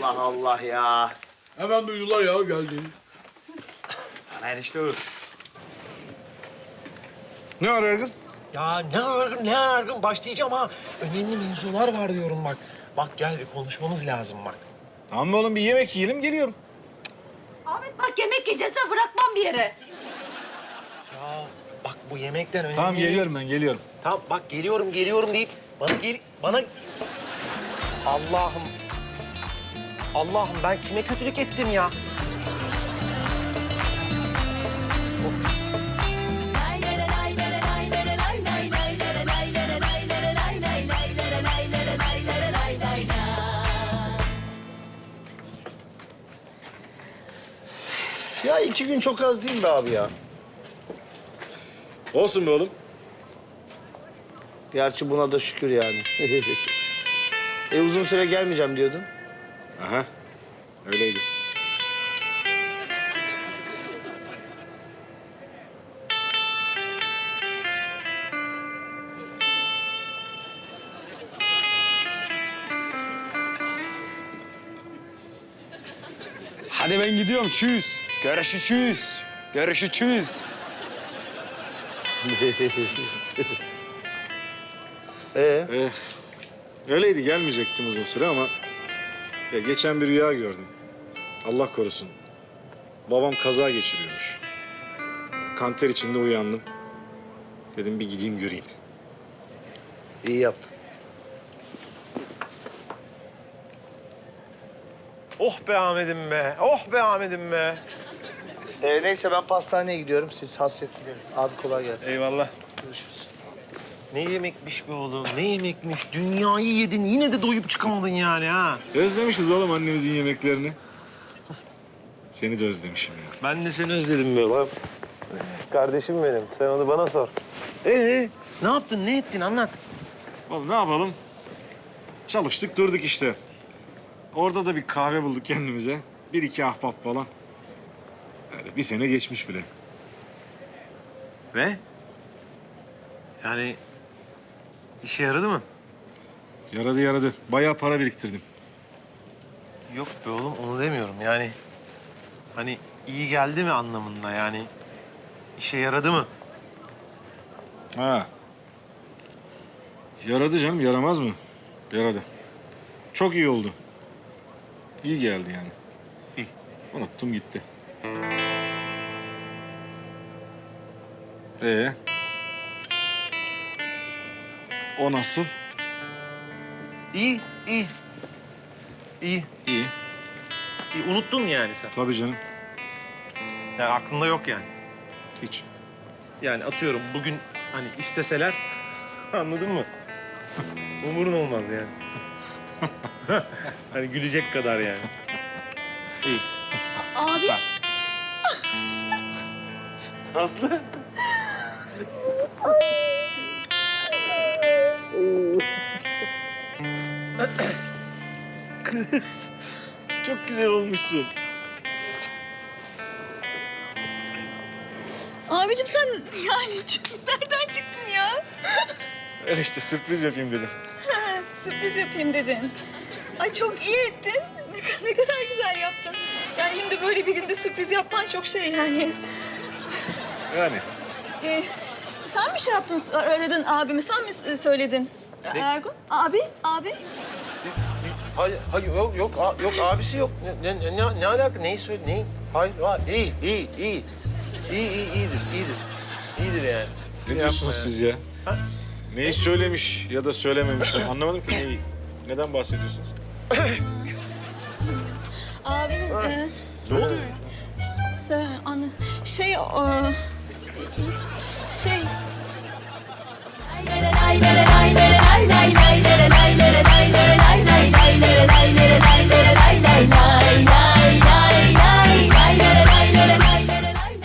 Allah Allah ya. Hemen duydular ya geldi. Sana enişte Uğur. Ne var Ergun? Ya ne argın başlayacağım ha. Önemli mevzular var diyorum bak. Bak gel bir konuşmamız lazım bak. Tamam mı oğlum bir yemek yiyelim geliyorum. Ahmet bak yemek yiyeceğiz ha bırakmam bir yere. Ya bak bu yemekten önemli. Tamam geliyorum ben geliyorum. Tamam bak geliyorum deyip bana... Allah'ım ben kime kötülük ettim ya? Ya 2 gün çok az değil mi abi ya? Olsun be oğlum. Gerçi buna da şükür yani. Uzun süre gelmeyeceğim diyordun. Aha öyleydi. Hadi ben gidiyorum. Tschüss. Görüşürüz. Görüşürüz. Öyleydi gelmeyecektim uzun süre ama... Ya geçen bir rüya gördüm. Allah korusun. Babam kaza geçiriyormuş. Kanter içinde uyandım. Dedim bir gideyim göreyim. İyi yaptın. Oh be Ahmet'im be. Oh be Ahmet'im be. Neyse ben pastaneye gidiyorum. Siz hasret gidelim. Abi kolay gelsin. Eyvallah. Görüşürüz. Ne yemekmiş be oğlum, ne yemekmiş. Dünyayı yedin, yine de doyup çıkamadın yani ha. Özlemişiz oğlum annemizin yemeklerini. Seni de özlemişim ya. Ben de seni özledim be oğlum. Kardeşim benim, sen onu bana sor. Ne yaptın, ne ettin anlat. Oğlum ne yapalım? Çalıştık durduk işte. Orada da bir kahve bulduk kendimize. 1-2 ahbap falan. Öyle bir sene geçmiş bile. Ve? Yani işe yaradı mı? Yaradı. Bayağı para biriktirdim. Yok be oğlum, onu demiyorum yani. Hani iyi geldi mi anlamında yani. İşe yaradı mı? Ha. Yaradı canım, yaramaz mı? Yaradı. Çok iyi oldu. İyi geldi yani. İyi. Unuttum gitti. O nasıl? İyi. İyi. İyi, unuttun yani sen. Tabii canım. Yani aklında yok yani. Hiç. Yani atıyorum bugün hani isteseler anladın mı? Umurun olmaz yani. Hani gülecek kadar yani. İyi. Abi Aslı. Kız. Çok güzel olmuşsun. abicim sen yani nereden çıktın ya? Öyle işte sürpriz yapayım dedim. Sürpriz yapayım dedin. Ay çok iyi ettin. Ne kadar güzel yaptın. Yani hem de böyle bir günde sürpriz yapman çok şey yani. Yani. İşte sen mi şey yaptın, aradın abimi, sen mi söyledin? Ergun, abi. Hayır, yok abisi yok. Ne alaka? Neyi söyle? Neyi? Hayır, iyi. İyidir yani. Ne diyorsunuz siz ya? Neyi söylemiş ya da söylememiş mi? Anlamadım ki neyi. Neden bahsediyorsunuz? Abicim, Ne oluyor ya? şey... Lay lay lay